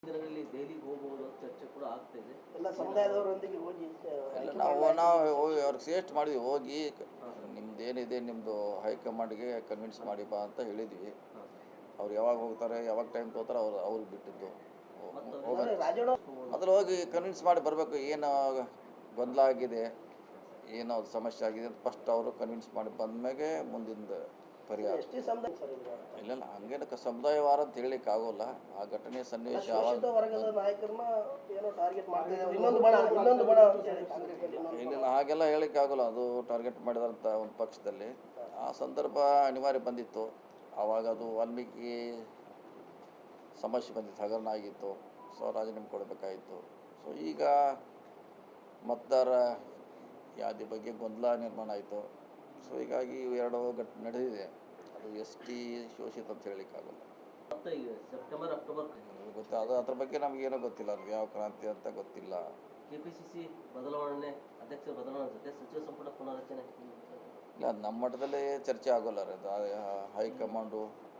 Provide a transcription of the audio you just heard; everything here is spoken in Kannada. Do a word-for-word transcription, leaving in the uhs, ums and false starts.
ದಿನಗಳಲ್ಲಿ ದೆಹಲಿಗೆ ಹೋಗಬಹುದು ಚರ್ಚೆ ಕೂಡ ಆಗ್ತಾ ಇದೆ. ಎಲ್ಲ ಸಮುದಾಯದವರೊಂದಿಗೆ ಹೋಗಿ ಇಲ್ಲ ನಾವು ನಾವು ಹೋಗಿ ಅವ್ರಿಗೆ ಸಜೆಸ್ಟ್ ಮಾಡಿದ್ವಿ, ಹೋಗಿ ನಿಮ್ದು ಏನಿದೆ ನಿಮ್ಮದು ಹೈಕಮಾಂಡ್ಗೆ ಕನ್ವಿನ್ಸ್ ಮಾಡಿ ಬಾ ಅಂತ ಹೇಳಿದ್ವಿ. ಅವ್ರು ಯಾವಾಗ ಹೋಗ್ತಾರೆ ಯಾವಾಗ ಟೈಮ್ ತೊಗೋತಾರೆ ಅವ್ರು ಅವ್ರಿಗೆ ಬಿಟ್ಟಿದ್ದು. ಮೊದಲು ಹೋಗಿ ಕನ್ವಿನ್ಸ್ ಮಾಡಿ ಬರಬೇಕು, ಏನು ಗೊಂದಲ ಆಗಿದೆ, ಏನೋ ಸಮಸ್ಯೆ ಆಗಿದೆ ಅಂತ ಫಸ್ಟ್ ಅವರು ಕನ್ವಿನ್ಸ್ ಮಾಡಿ ಬಂದ್ಮೇಲೆ ಮುಂದಿನ ಪರಿಹಾರ. ಇಲ್ಲ ಇಲ್ಲ ಹಂಗೇನು ಸಮುದಾಯ ವಾರ ಅಂತ ಹೇಳಲಿಕ್ಕೆ ಆಗೋಲ್ಲ. ಆ ಘಟನೆ ಸನ್ನಿವೇಶ ಇಲ್ಲ ಹಾಗೆಲ್ಲ ಹೇಳಲಿಕ್ಕೆ ಆಗೋಲ್ಲ. ಅದು ಟಾರ್ಗೆಟ್ ಮಾಡಿದಂಥ ಒಂದು ಪಕ್ಷದಲ್ಲಿ ಆ ಸಂದರ್ಭ ಅನಿವಾರ್ಯ ಬಂದಿತ್ತು. ಆವಾಗ ಅದು ವಾಲ್ಮೀಕಿ ಸಮಸ್ಯೆ ಬಂದಿತ್ತು, ಹಗರಣ ಆಗಿತ್ತು. ಸೊ ರಾಜೀನಾಮೆ ಕೊಡಬೇಕಾಯಿತು. ಸೊ ಈಗ ಮತದಾರ ಯಾದಿ ಬಗ್ಗೆ ಗೊಂದಲ ನಿರ್ಮಾಣ ಆಯಿತು. ಸೊ ಹೀಗಾಗಿ ಎರಡು ಘಟನೆ ನಡೆದಿದೆ. ಅದು ಎಸ್ ಟಿ ಶೋಷಿತ ಅಂತ ಹೇಳಲಿಕ್ಕಾಗಲ್ಲ. ಸೆಪ್ಟೆಂಬರ್ ಅಕ್ಟೋಬರ್ ಗೊತ್ತಾ, ಅದು ಅದ್ರ ಬಗ್ಗೆ ನಮಗೇನೋ ಗೊತ್ತಿಲ್ಲ. ಅದು ಯಾವ ಕ್ರಾಂತಿ ಅಂತ ಗೊತ್ತಿಲ್ಲ. ಕೆ ಪಿ ಸಿ ಸಿ ಬದಲಾವಣೆ, ಅಧ್ಯಕ್ಷ ಬದಲಾವಣೆ ಜೊತೆ ಸಚಿವ ಸಂಪುಟ ಪುನರ್ರಚನೆ ಇಲ್ಲ, ನಮ್ಮ ಮಟ್ಟದಲ್ಲೇ ಚರ್ಚೆ ಆಗೋಲ್ಲ. ಅದು ಹೈಕಮಾಂಡು